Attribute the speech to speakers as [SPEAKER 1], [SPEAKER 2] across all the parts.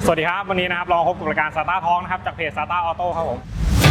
[SPEAKER 1] สวัสดีครับวันนี้นะครับลองพบกับรายการ SATA Talk นะครับจากเพจ SATA Auto ครับผม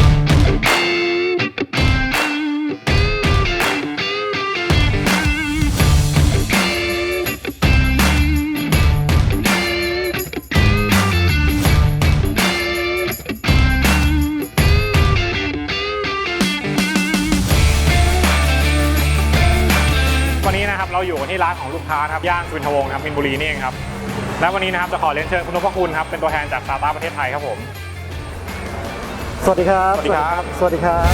[SPEAKER 1] วันนี้นะครับเราอยู่ที่ร้านของลูกค้าครับย่านสุวินทวงศ์นะครับมินบุรีนี่เองครับและวันนี้นะครับจะขอเรียนเชิญคุณนพคุณครับเป็นตัวแทนจาก SATA ประเทศไทยครับผม
[SPEAKER 2] สวัสดีครับ
[SPEAKER 1] สวัสดีครับ
[SPEAKER 2] สวัสดีครับ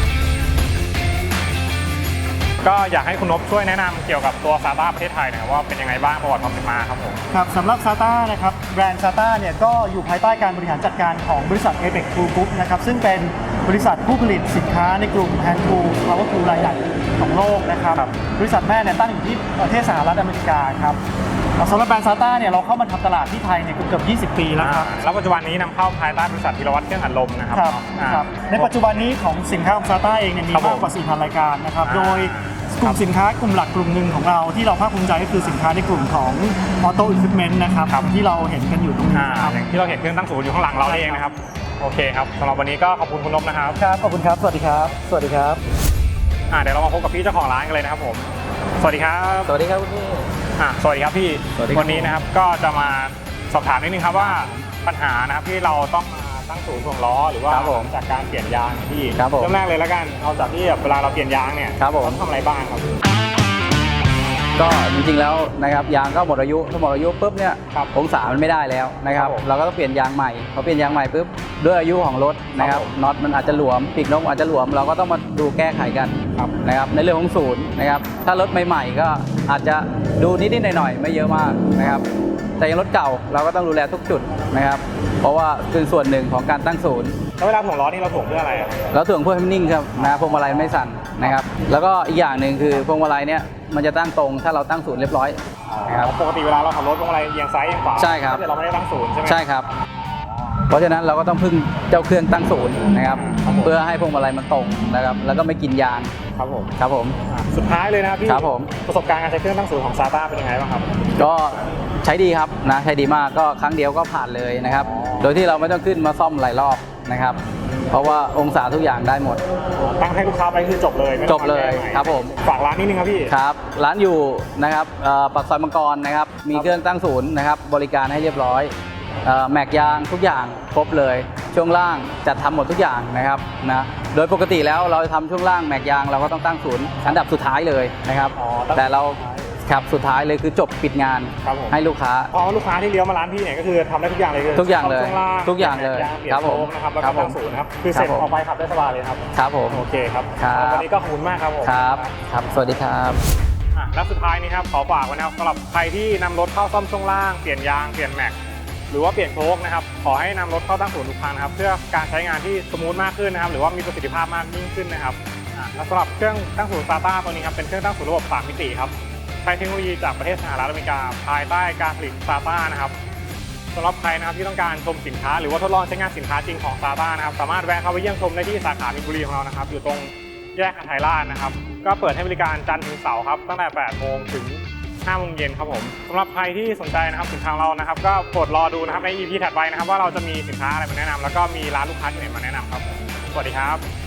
[SPEAKER 1] ก็อยากให้คุณนพช่วยแนะนำเกี่ยวกับตัว SATA ประเทศไทยหน่อยว่าเป็นยังไงบ้างประวัติความเป็นมาครับผม
[SPEAKER 2] ครับสำหรับ SATA นะครับแบรนด์ SATA เนี่ยก็อยู่ภายใต้การบริหารจัดการของบริษัท Apex Tool Group นะครับซึ่งเป็นบริษัทผู้ผลิตสินค้าในกลุ่ม Hand Tool Power Tool รายใหญ่ของโลกนะครับบริษัทแม่เนี่ยตั้งอยู่ที่ประเทศสหรัฐอเมริกาครับสำหรับแบรนด์ SATA เนี่ยเราเข้ามาทำตลาดที่ไทยเนี่ยเกือบ20 ปีแล้วครับ
[SPEAKER 1] แล้วปัจจุบันนี้นำเข้าภายใต้บริษัทธีรวัฒน์เครื่องอัดลมนะครับ
[SPEAKER 2] ในปัจจุบันนี้ของสินค้าของ SATA เองเนี่ยมีมากกว่า 4,000 รายการนะครับโดยกลุ่มสินค้ากลุ่มหลักกลุ่มหนึ่งของเราที่เราภาคภูมิใจก็คือสินค้าในกลุ่มของ Auto Equipment นะครับที่เราเห็นกันอยู่ตรงนี้
[SPEAKER 1] อย่างที่เราเห็นเครื่องตั้งศูนย์อยู่ข้างหลังเราเองนะครับโอเคครับสำหรับวันนี้ก็ขอบคุณคุณนพนะครับ
[SPEAKER 2] ครับขอบคุณครับสวัสดีครับสวัสดีครับ
[SPEAKER 1] เดี๋ยวเรามาพบกับพี่เจ้าของร้านกันเลยนะครับผมสวัสดีครับ
[SPEAKER 3] สวัสดีครับคุณพี่
[SPEAKER 1] สวัสดีครับพี่วันนี้นะครับก็จะมาสอบถามนิดนึงครับว่าปัญหานะครับที่เราต้องมาตั้งศูนย์ถ่วงล้อหรือว่าจากการเปลี่ยนยางพี่เริ่มแรกเลยแล้วกันเอาจากที่เวลาเราเปลี่ยนยางเนี่ยต้องทำอะไรบ้างครับ
[SPEAKER 3] ก็จริงๆแล้วนะครับยางก็หมดอายุถ้าหมดอายุปุ๊บเนี่ยองศามันไม่ได้แล้วนะครับเราก็ต้องเปลี่ยนยางใหม่พอเปลี่ยนยางใหม่ปุ๊บด้วยอายุของรถนะครับน็อตมันอาจจะหลวมปีกนกอาจจะหลวมเราก็ต้องมาดูแก้ไขกันนะครับในเรื่องของศูนย์นะครับถ้ารถใหม่ๆก็อาจจะดูนิดๆหน่อยๆไม่เยอะมากนะครับแต่ยังรถเก่าเราก็ต้องดูแลทุกจุดนะครับเพราะว่าเป็นส่วนหนึ่งของการตั้งศูนย์
[SPEAKER 1] แล้วเวลาถ่วงล้อนี่เราถ่วงเพื่ออะไร
[SPEAKER 3] เราถ่วงเพื่อให้มันนิ่งครับนะพวงมาลัยไม่สั่นนะครับแล้วก็อีกอย่างหนึ่งคือพวงมาลัยเนี่ยมันจะตั้งตรงถ้าเราตั้งศูนย์เรียบร้อย
[SPEAKER 1] นะครับปกติเวลาเราขับรถพวงมาลัยเอียงซ้ายเอียงขวา
[SPEAKER 3] ใช่ครับ
[SPEAKER 1] เราไม่ได้ตั้งศูนย์ใช่ไหม
[SPEAKER 3] ใช่ครับเพราะฉะนั้นเราก็ต้องพึ่งเจ้าเครื่องตั้งศูนย์นะครับเพื่อให้พวงมาลัยมันตรงนะครับแล้วก็ไม่กินยางครับผม
[SPEAKER 1] สุดท้ายเลยนะครับพี่
[SPEAKER 3] ครับผม
[SPEAKER 1] ประสบการณ์การใช้เครื่องตั้งศูนย์ของ SATA เป็นยังไงบ้างครับ
[SPEAKER 3] ก็ใช้ดีครับนะใช้ดีมากก็ครั้งเดียวก็ผ่านเลยนะครับโดยที่เราไม่ต้องขึ้นมาซ่อมหลายรอบนะครับเพราะว่าองศาทุกอย่างได้หมด
[SPEAKER 1] ตั้งให้ลูกค้าไปคือจบเลย
[SPEAKER 3] จบเลยครับผม
[SPEAKER 1] ฝากร้านนิดนึงครับพี่
[SPEAKER 3] ครับร้านอยู่นะครับปากซอยมังกรนะครับมีเครื่องตั้งศูนย์นะครับบริการให้เรียบร้อยแม็กยางทุกอย่างครบเลยช่วงล่างจัดทำหมดทุกอย่างนะครับนะโดยปกติแล้วเราทำช่วงล่างแม็กยางเราก็ต้องตั้งศูนย์อันดับสุดท้ายเลยนะครับแต่เราครับสุดท้ายเลยคือจบปิดงานให้ลูกค้า
[SPEAKER 1] ลูกค้าที่เลี้ยวมาร้านพี่เนี่ยก็คือทำได้ทุกอย่างเลย
[SPEAKER 3] ทุกอย่างเลยทุกอย่างเลย
[SPEAKER 1] ครับผมนะครับแล้วก็ตั้งศูนย์นะครับคือเสร็จออกไปขับได้สบายเลยครับ
[SPEAKER 3] ครับผม
[SPEAKER 1] โอเคครับวันนี้ก็ขอบคุณมากครับผม
[SPEAKER 3] ครับสวัสดีครับ
[SPEAKER 1] และสุดท้ายนี้ครับขอฝากไว้นะครับสำหรับใครที่นำรถเข้าซ่อมช่วงล่างเปลี่ยนยางเปลี่ยนแม็กหรือว่าเปลี่ยนโชคนะครับขอให้นำรถเข้าตั้งศูนย์ทุกครั้งนะครับเพื่อการใช้งานที่สมูทมากขึ้นนะครับหรือว่ามีประสิทธิภาพมากยิ่งขึ้นนะครับและสำหรับเครื่องตั้งศูนย์ SATA ตัวนี้ครับเป็นเครื่องตั้งศูนย์ระบบ3มิติครับใช้เทคโนโลยีจากประเทศสหรัฐอเมริกาภายใต้การผลิต SATA นะครับสำหรับใครนะครับที่ต้องการชมสินค้าหรือว่าทดลองใช้งานสินค้าจริงของ SATA นะครับสามารถแวะเข้าไปเยี่ยมชมได้ที่สาขามินบุรีของเรานะครับอยู่ตรงแยกหาดไทยราชนะครับก็เปิดให้บริการจันทร์ถึงเสาร์ครับตั้งแต่ 8 โมงถึง 5 โมงเย็นครับผมสำหรับใครที่สนใจนะครับสินค้าเรานะครับก็โปรดรอดูนะครับใน EP ถัดไปนะครับว่าเราจะมีสินค้าอะไรมาแนะนำแล้วก็มีร้านลูกค้าที่ไหนมาแนะนำครับสวัสดีครับ